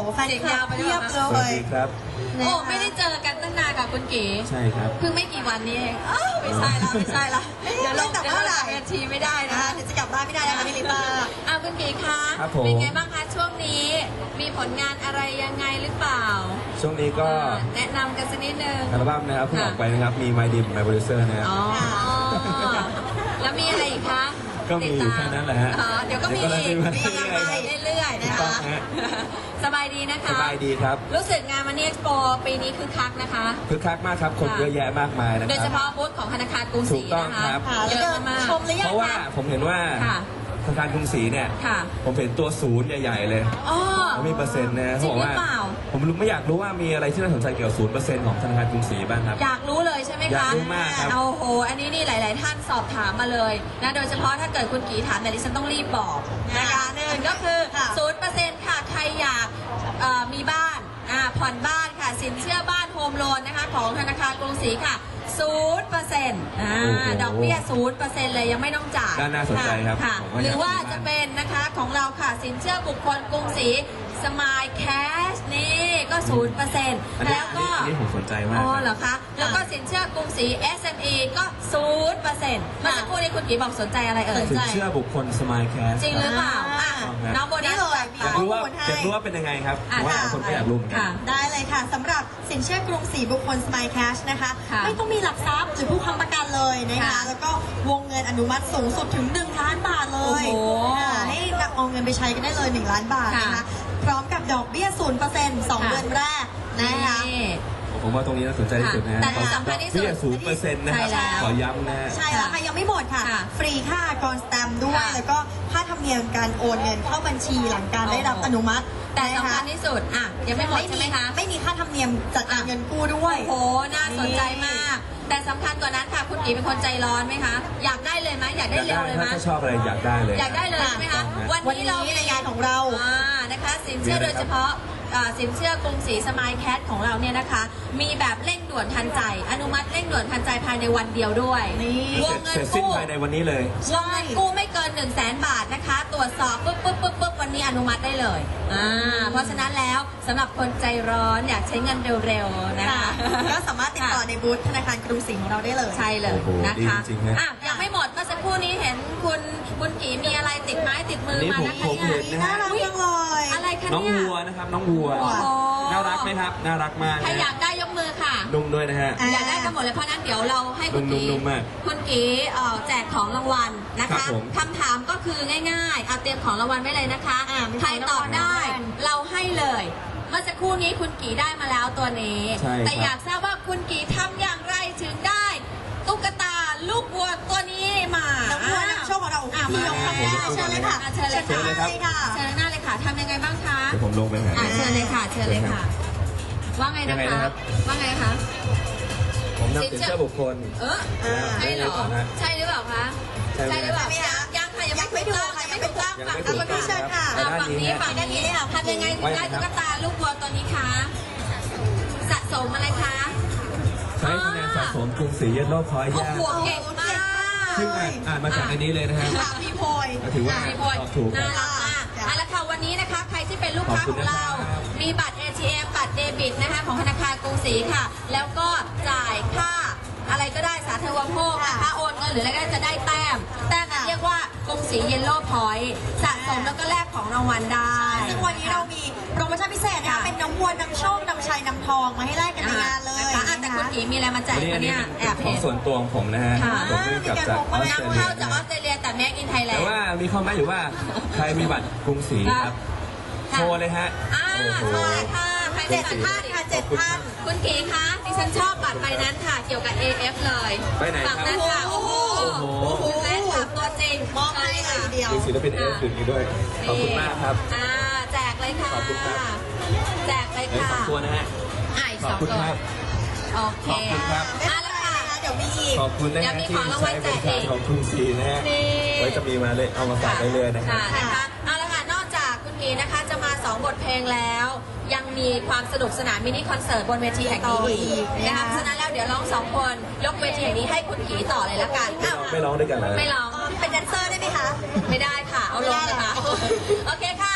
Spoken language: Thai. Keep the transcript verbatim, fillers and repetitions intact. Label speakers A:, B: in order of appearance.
A: แฟนคลับเพียบเล
B: สวัส
A: ย
B: ดีครับ
C: โอ้ไม่ได้เจอกันตั้งนานกับคุณเก๋
B: ใช่ครับ
C: เพิ่งไม่กี่วันนี้เองอ้าวไม่ใช่ละไม่ใช่ละเดี๋ยวลง
A: แต่
C: เดี๋ยว
A: เมื่อไห
C: ล
A: ร่
C: งเวทีไม่ได้
A: นะ
C: นะคะ
A: เดี๋ยวจะกลับบ้านไม่ได้นะคะพี่ลิต้า
C: อ้าวคุณเก๋คะ
B: ครับผม
C: เป็นไงบ้างคะช่วงนี้มีผลงานอะไรยังไงหรือเปล่า
B: ช่วงนี้ก็
C: อ่าแนะนำกันสักนิดนึง
B: อัลบั้มนะครับเพิ่ง
C: ค่ะ
B: ออกไปนะครับ มี My Dim My Producer นะครับ
C: อ๋อแล้วมีอะไรอีกคะ
B: ก็มีอยู่แค่นั้นแหละฮะ
C: อ๋อเดี๋ยวก็มีอีก
B: เดี๋ยวก็
C: มี
B: มี
C: กำลัง
B: มา
C: ไปเรื่อยๆนะ
B: ถูกต้อ
C: คะ
B: งฮะ
C: สบายดีนะคะ
B: สบายดีครับ
C: รู้สึกงานมันนี่เอ็กซ์โปปีนี้คือคักนะคะ
B: คึกคักมากครับ คน
C: ค่ะ
B: เยอะแยะมากมายนะ
C: โดย
B: ค
C: เฉ
B: รับ
C: พาะบูธของธนาคารกรุงศรี
B: ถูกต้อง
C: นะคะ
B: ครับ
A: ค่ะ
C: เย
A: แล้ว
C: อะ
A: เดิน
C: มาก
A: ชมหรือยั
B: เพ
A: ง
B: ราะว่า
A: คะ
B: ผมเห็นว่า
C: ค่ะ
B: ธนาคารกรุงศรีเนี่ย
C: ค่ะ
B: ผมเห็นตัวศูนย์ใหญ่ๆเลย
C: อ๋อ
B: แล้วมีเปอร์เซ็นต์นะ
C: จริ
B: เขา
C: ง
B: บอก
C: หรือ
B: ว่า
C: เปล่า
B: ผมรู้ไม่อยากรู้ว่ามีอะไรที่น่าสนใจเกี่ยวกับศูนย์เปอร์เซ็นต์ของธนาคารกรุงศรีบ้างครับ
C: อยากรู้เลยใช่ไหมคะ
B: อยากรู้มากครับ
C: เอาโห อันนี้นี่หลาย ๆ ท่านสอบถามมาเลยนะโดยเฉพาะถ้าเกิดคุณกีถามแต่ดิฉันต้องรีบบอกนะคะหนึ่งก็คือ
A: ค่ะ
C: ศูนย์เปอร์เซ็นต์ค่ะใครอยากเอ่อมีบ้านอ่าผ่อนบ้านค่ะ สินเชื่อบ้านโฮมโลนนะคะของธนาคารกรุงศรีค่ะศูนย์เปอร์เซ็นต์อ่า
B: โอ้โห
C: ดอกเบี้ยศูนย์เปอร์เซ็นต์เลยยังไม่ต้องจ่าย
B: น่าน่าสนใจครับ
C: ค่ะ
B: ผมว่า
C: หรือว่า
B: อยากมีบ้าน
C: จะเป็นนะคะของเราค่ะสินเชื่อบุคคลกรุงศรีสมายแคชนี่ก็ศูนย์เปอร์เซ็นต์
B: อันนี้
C: แล้วก็
B: อันนี้ผมสนใจมาก
C: อ๋อ
B: ครับ
C: เหรอคะ แล้วก็สินเชื่อกรุงศรี เอส เอ็ม อี ก็ศูนย์เปอร์เซ็นต์เมื่อสักครู่นี้คุณกีบอกสนใจอะไรเอ่ย
B: สินเชื่อบุคคลสมายแคส
C: จริงหรือเปล่าอ่ะ
B: อ่า
C: น้องโบนั
A: นี่
C: ส
A: เลย
B: อยากรู้ว่า
A: ข้อมูลให้
B: อยากรู้ว่าเป็นยังไงครับ
C: อ่ะ
B: ผมว่า
C: ค่ะ
B: คนก็อยากรู้เหมือนกัน
C: ค่ะ
A: ได้เลยค่ะสำหรับสินเชื่อกรุงศรีบุคคลสมายแคชนะคะ
C: ค่ะ
A: ไม่ต้องมีหลักทรัพย์หรือผู้ค้ำประกันเลยนะคะ
C: ค่ะ
A: แล้วก็วงเงินอนุมัติสูงสุดถึงหนึ่งล้านบาทเลย
C: โอ้โห
A: ค่ะให้นำเอาเงินไปใช้กันได้เลยหนึ่งล้านบาทนะคะ
C: ค่ะ
A: พร้อมกับดอกเบี้ยศูนย์เปอร์เซ็นต์สอง
C: ค่ะ
A: เดือนแรกนะคะ
C: นี่
B: ผมว่าตรงนี้น่าสนใจที่สุดนะฮะ
C: แต่ที่สำคัญที่สุด
B: เบี้ยศูนย์เปอร์เซ็นต์นะฮะ
C: ใช่แล้ว
B: ขอย้ำนะฮะ
A: ใช่แล้วค่ะยังไม่หมดค่ะ
C: ค่ะ
A: ฟรีค่าอากรสแตมป์ด้วย
C: ค่ะ
A: แล้วก็ค่าธรรมเนียมการโอนเงินเข้าบัญชีหลังการได้รับ
C: โอ้โห
A: อนุมัติ
C: แต่
A: นะ
C: สำ
A: คะ
C: คัญที่สุดอ่ะยังไม่หมดใช่ไหมคะ
A: ไม่มีค่าธรรมเนียมจัดการเงินกู้ด้วย
C: โอ้โห น่าสนใจมาก แต่สำคัญกว่านั้นค่ะ คุณกีเป็นคนใจร้อนไหมคะ อยากได้เลยไหมอยากได้
B: อยาก
C: เร็
B: ได้
C: วเลยไหม
B: ถ้าชอบอะไรอยากได้เลย
C: อยากได้เลยใช่ไหมคะ
A: วัน
C: วัน
A: นี้
C: นี้เรา
A: ในงานของเรา
C: อ่านะคะสินเชื่อโดยเฉพาะอ่าสินเชื่อกรุงศรีสมายแคทของเราเนี่ยนะคะ มีแบบเร่งด่วนทันใจ อนุมัติเร่งด่วนทันใจภายในวันเดียวด้วย
A: นี่
C: ว
B: เสร็
C: ง
B: จ
C: เงิ
B: เส
C: น
B: ร็จสิ้น
C: กู้
B: ภายในวันนี้เลย
C: วงเงินกู้ไม่เกิน1นึ่งแสนบาทนะคะ ตรวจสอบปุ๊บปุ๊บปุ๊บปุ๊บวันนี้อนุมัติได้เลยอ่าเพราะฉะนั้นแล้วสำหรับคนใจร้อนอยากใช้เงินเร็วๆนะคะ
A: ก็สามารถติดต่อในบูธธนาคารกรุงศรีของเราได้เลย
C: ใช่เลย
B: โอ้โห
C: นะคะ
B: ดีจริงๆนะ
C: อ่ะยังไม่หมดเมื่อสักครู่นี้เห็นคุณคุณกีมีอะไรติดไม้ติดมือ
B: นี่
C: มา
B: ผม
C: นะคะ
B: ผมเห็นนะ
A: น่า
B: ฮะ
A: รักจังเลย
C: อะไรคะ
B: น้อง
C: เนี่ย
B: วัวนะครับน้องวัว
C: โอ้โห
B: น่ารักไหมครับ น่ารักมาก
C: ใคร
B: นะ
C: อยากได้ยกมือค่ะ
B: นุ่มด้วยนะฮะ
A: อ่ะ
C: อยากได้กันหมดเลยเพราะนั้นเดี๋ยวเราให้คุณกี
B: นุ่มๆมาก
C: คุณกีเอ่อแจกของรางวัลนะ
B: ครั
C: คะ
B: บผม
C: คำถามก็คือง่ายๆเอาเตรียมของรางวัลไว้เลยนะคะ
A: อ่ะมีของ
C: ใครตอบได้
A: รางวัล
C: เราให้เลย เมื่อสักครู่นี้คุณกีได้มาแล้วตัวนี้
B: ใช่ครับ
C: แต่อยากทราบว่าคุณกีทำอย่างไรถึงได้ตุ๊กตาลูกวัวตัวนี้มา
A: น้องวัวนำโชคของเรา
C: อ่ะ
A: พี่ยก
C: มา
A: คำนี้เชิญเลยค่ะ
C: อ่ะเชิญเลย
B: เชิญเลยครับ
A: ค่ะ
C: เชิญหน้าเลยค่ะทำยังไงบ้างคะ
B: เดี๋ยวผมลงไปหา
C: อ่ะเชิญเลยค่ะ เชิญเลยค่ะ ว่าไง
B: ยั
C: นะ
B: งไง
C: คะ
B: นะครับ
C: ว่าไงคะ
B: ผมนำสินเชื่อบุคคล
C: เออ
A: อ่า
C: ใช่เหรอ
B: ฮะ
C: ใช่หรือเปล่าคะ
B: ใช่ไหม
C: ใช่หรือเปล่า
A: ใช่ไหมคะ
C: ยังค่ะยังไม่
A: ยังไม่
C: ถูกต้อง
A: ถูกค่ะ
C: ยังไม่ถูกต้อง
B: ยัง
C: ฝั่ง
B: ไม่ถู
C: นี้
B: กต้อง
A: เชิญค่ะ
C: อ่ะ
B: ด้าน
C: ฝั่ง
B: นี้
C: นี้
B: ฮะ
C: ฝั่งนี้ทำยังไงถึงได้ตุ๊กตาลูกวัวตัวนี้คะสะสมอะไรคะ
B: ใช้คะแนนสะสมกรุงศรีเยลโล่พอยต์
C: โอ้
B: ยาก
C: โหเก่งมาก
B: ซึ่งอ่านอ่านมาจากในนี้เลยนะฮะ
A: ค่ะพี่โพย
B: ก็ถือว่า
C: พี่พล
B: ตอบถูกค
C: น่า
B: รับ
C: รักมากเอาละค่ะวันนี้นะคะใครที่เป็นลูกค้า
B: ขอบ
C: ข
B: คุ
C: อ
B: ณ
C: ง
B: นะ
C: เรา
B: ครับ
C: มีบัตร เอ ที เอ็ม บัตรเดบิตนะคะของธนาคารกรุงศรีค่ะ แล้วก็จ่ายค่าอะไรก็ได้สาธารณูปโภคนะคะโอนเงินหรืออะไรก็ได้จะได้แต้ม แต้มนั้นเรียกว่ากรุงศรีเยลโล่พอยต์สะสมแล้วก็แลกของรางวัลได้
A: ซึ่งวันนี้เรามีโปรโมชั่นพิเศษนะคะ
C: ค่ะ
A: เป็นน้ำวัวนำโชคนำชัยนำทองมาให้แลกกันในงานเลย
C: นะคะอ่ะแต่คุณกีมีอะไรมาแจก
B: วันนี้อั
C: คะ
B: นนี้
C: เนี่ย
B: เป็น
C: แอบ
B: ขอ
C: เห็
B: ง
C: น
B: ส่วนตัวของผมนะฮะ
C: ค่ะ
B: ผมเพิ่งกลับจากออสเตร
C: นำ
B: เลี
C: เข้าย จากออสเตรเลียแต่ make in
B: แต่
C: Thailand
B: ว่ามีข้อแม้อยู่ว่าใครมีบัตรกรุงศรีครับ
C: ค่ะ
B: โทรเลยฮะ
C: อ่า
B: โอ้โห
C: ใช่ค่ะใคร
A: เจ็ด
C: บัตร
A: ท่านค่ะเจ็ดท่าน
C: คุณกีคะดิฉันชอบบัตรใบนั้นค่ะ เกี่ยวกับ เอ เอฟ เลย
B: ไปไหนครับ
C: ฝั่งนั้นค่ะ โอ้โห
B: โอ้โห
C: แฟนคลับตัวจริง
A: มอบให้เลยทีเดียว
B: มีศิลปินเอฟคืนนี้ด้วย ขอบคุณมากครับ
C: อ่าแจกเลยค่ะ
B: ขอบคุณครับ
C: แจกเลย
B: เอ้ย
C: ค่ะ
B: สองตัวนะฮะ
C: อ่ะอีก
B: ข
C: ส
B: อ
C: อบ ง
B: คุณ
C: ตัว
B: ครับ
C: โอเค
B: ขอบคุณครับ
C: อ่ะแล้วค่ะ
A: เดี๋ยวมีอีก
B: ขอบคุณนะ
C: ยั
B: ฮะ
C: งมี
B: ที่
C: ของรางวั
B: ใช้
C: ล
B: บ
C: แจก
B: ริการ
C: อีก
B: ของกรุงศรีนะฮะ
C: นี่
B: ไว้จะมีมาเลยเอามาฝากได้เลยนะครับ
C: ค่ะนะคะเอาละค่ะ นอกจากคุณกีนะคะจะมาสองบทเพลงแล้ว ยังมีความสนุกสนานมินิคอนเสิร์ตบนเวทีแห่งนี้อีกนะคะเพราะฉะนั้นแล้วเดี๋ยวร้องสองคนยกเวทีแห่งนี้ให้คุณกีต่อเลยละกัน
B: ไม่
C: อ้า
B: ร้
C: ว
B: องไม่ร้องด้วยกันเลย
C: ไม่ร้อง
A: เป็นแดนเซอร์ได้ไหมคะ
C: ไม่ได้ค่ะ เอาลงนะคะ โอเคค่ะ